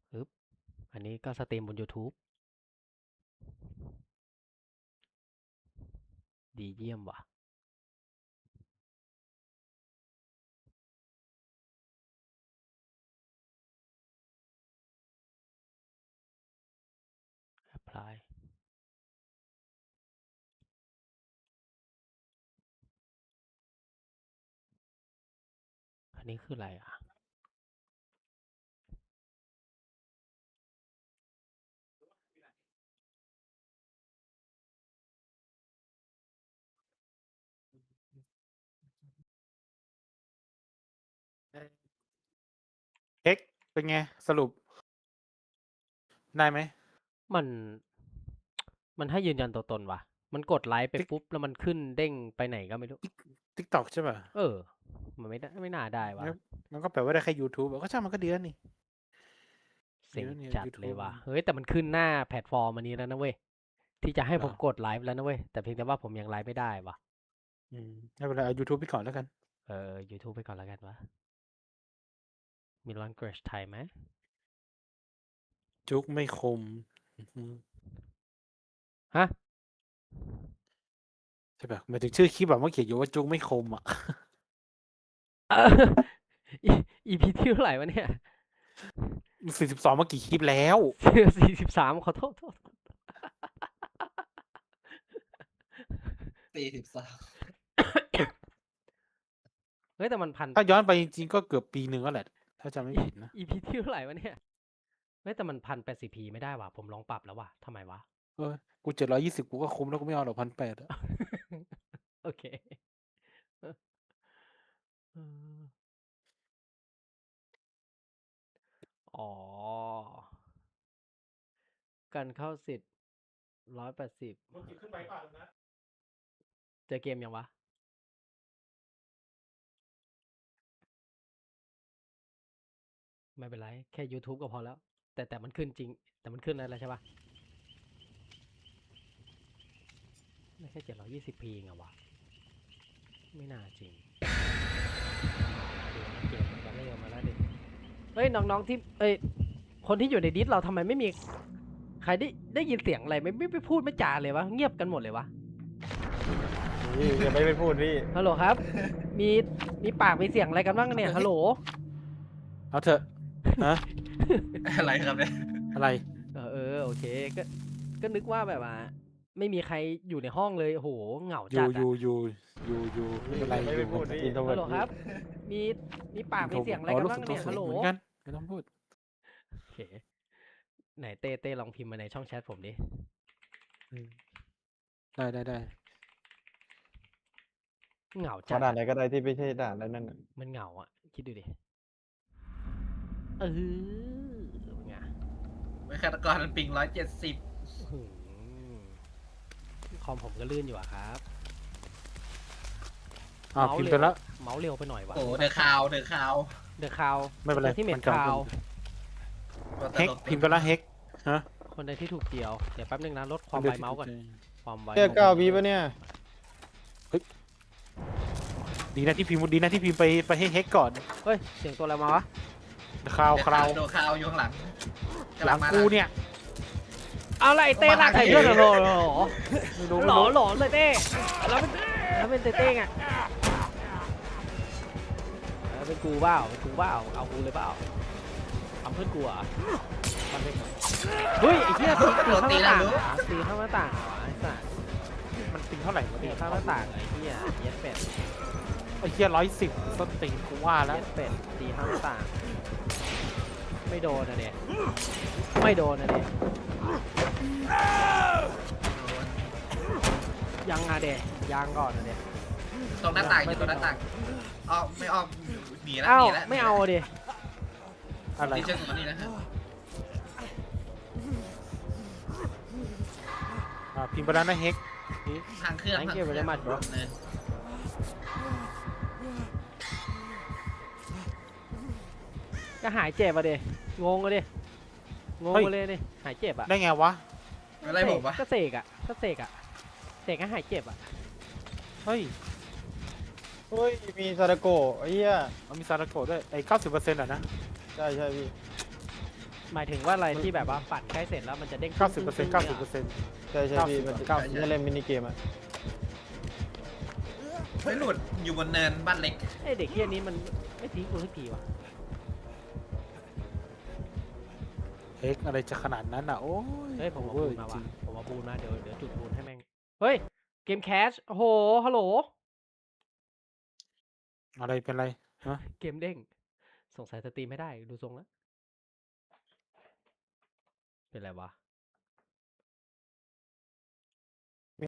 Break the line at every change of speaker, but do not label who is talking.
อึ๊บอันนี้ก็สตรีมบน YouTube ดีเยี่ยมว่ะ apply อันนี้คืออะไรอ่ะ
เอ็กเป็นไงสรุปได้ไหม
มัน มันให้ยืนยันตัวตนว่ะ มันกดไลค์ไปปุ๊บแล้วมันขึ้นเด้งไปไหนก็ไม่รู้
ทิกตอกใช่ป่ะ
เออ มันไม่น่าได้ว่ะ
มันก็แปลว่าได้แค่ YouTube ก็ช่างมันก็ดีแล้วนี่
เซ็ง
เดี๋ยวเนี่ย
จัดเลย
YouTube
ว่ะ เฮ้ยแต่มันขึ้นหน้าแพลตฟอร์มอันนี้แล้วนะเว้ย ที่จะให้
เหรอ
ผมกดไลฟ์แล้วนะเว้ย แต่เพียงแต่ว่าผมยังไลฟ์ไม่ได้ว่ะ
ไม่เป็นไรเอา YouTube ไปก่อนแล้วกัน
YouTube ไปก่อนแล้วกันวะ มี language ไทยไหม
จุกไม่คม
ฮะ
ใช่ป่ะหมายถึงชื่อคลิปแบบว่าเขียนอยู่ว่าจุกไม่คมอ่ะ
EP ที่เท่าไหร่วะเนี่ย
42มากี่คลิปแล้ว
43 ขอโทษ
43
เฮ้ยแต่มันพัน
ถ้าย้อนไปจริงๆก็เกือบปีหนึ่งแล้วแหละ ถ้าจำไม่ผิดนะ
EP ที่เท่าไหร่วะเนี่ย เฮ้ยแต่มัน1080p ไม่ได้ว่ะ ผมลองปรับแล้วว่ะทำไมวะ
กู720กูก็คุ้มแล้วกูไม่เอาหรอก1,800อ่ะ
โอเค อ๋อ การเข้าสิทธิ์180เจอเกมยังวะ ไม่เป็นไร แค่ YouTube ก็พอแล้ว แต่มันขึ้นจริง แต่มันขึ้นแล้วใช่ปะไม่ใช่ 720p เองเหรอวะ ไม่น่าจริงเกมมันก็เริ่มมาแล้วดิเฮ้ย น้องๆที่คนที่อยู่ในดิสเราทำไมไม่มี ใครได้ยินเสียงอะไรไม่พูดไม่จาเลยวะ เงียบกันหมดเลยวะ
พี่อย่าไปพูดพี่
ฮัลโหลครับ มีปากมีเสียงอะไรกันบ้างเนี่ย ฮัลโหล
เอาเถอะฮะ
อะไรครับเนี่ย
อะไร
โอเค ก็นึกว่าแบบว่า ไม่มีใครอยู่ในห้องเลย โอ้โห เหงา
อ
จั
ยู่
ด
อยู่ไม่เป็นไร
ไม่ไปพูดพี่
อินโทรเวิ
ฮั
ร์
ลโหลครับ มีปากมีเสียงอะไรกันบ้างเนี่ย ฮัลโหล
เหมือนกันไม่ต้องพูด
โอเค ไหนเต้ลองพิมพ์มาในช่องแชทผมดิ
ได้
เหงา
ข
จัด
นาดไหนก็ได้ที่ไม่ใช่ด่านแล้วนั่นน่ะ
มันเหงาอ่ะ คิดดูดิ เป็นไง
ไม่ฆาตกรมันปิง170
อื้อหือคอมผมก็ลื่นอยู่อะครับ
พิมพ์ไปแล้ว
เมาส์เร็วไปหน่อยวะ
โอ้เดอะคาว
เดอะคาว
ไม่เป็นไร
ที่เม็ด
มันกำลัง
คาว
เฮกพิมพ์ไปแล้วเฮกฮะ
คนใดที่ถูกเกี่ยว เดี๋ยวแป๊บนึงนะ ลดความไวเมาส์ก่อน ความไว
แค่9 วิปะเนี่ย
ดีนะที่พิมพ์ไปให้เฮกก่อน
เฮ้ย เสียงตัวอะไรมาวะ
คราว
โดนคาวอยู่ข้างหลัง
หลังกูเนี่ย
เอาไรเต้ลากใส่เรื่องเหรอ
ไม่รู้
หลอเลยเต้แล้วเป็นเต้ไงเป็นกูเปล่าเอากูเลยเปล่าทำเพื่อนกูอ่ะทำเพื่อนกูเฮ้ยไอ้เหี้ยตีข้างหน้าต่างตีข้างหน้าต่างไอ้สัส
มันปิงเท่าไหร่วะ
ตี
เนี่ย
ข้างหน้าต่างไอ้เหี้ยเย็ดเป็ด
ไอ้เหี้ย110ต้นติงกูว่าแล้ว
เย็ดเป็ดตีข้างหน้าต่างไม่โดนนะเนี่ยไม่โดนนะเนี่ยยังอะเดะยังก่อนนะเดะ
ตรงหน้าต่างอยู่ตรงหน้าต่างอ้อมไม่อ้อมหนีแล้ว
เอ้า
หนีแล้ว
ไม่เอาดิ
อะไร
ที่เชื่อมตรงนี้นะครับ
พิมพ์ไปแล้วนะเฮก
ทางเครื่อง
Thank you very much bro
เนิน
ก็หายเจ็บอ่ะดิงงอ่ะดิงงไปเลยดิหายเจ็บอ่ะ
ได้ไงวะ
อะไรผมวะ
ก็เสกให้หายเจ็บอ่ะ
เฮ้ย
เฮ้ย มีซาดาโกะไอ้เหี้ย
มันมีซาดาโกะด้วยไอ้90%อ่ะนะ
ใช่พี่
หมายถึงว่าอะไรที่แบบว่าปั่นใกล้เสร็จแล้วมันจะเด้ง
90%
ใช่ใช่พี่มันจะ
90
จะเล่นมินิเกมอะ
ไม่หลุดอยู่บนเนินบ้านเล็ก
ไอเด็กเฮี้ยนี้มันไม่ทิ้งกูสักทีวะ
เอ็กอะไรจะขนาดนั้นอ่ะ โอ้ย
เฮ้ยผมเอา
โอ
บู
เวอร์
นมา
จริ
ว่ะ
ง
ผมเอาบูนมาเดี๋ยวจุดบูนให้แม่งเฮ้ยเกมแคชโอ้โหฮัลโหล
ๆอะไรเป็นไรฮะ
เกมเด้งสงสัยสตรีมไม่ได้ดูทรงแล้วเป็นไรวะ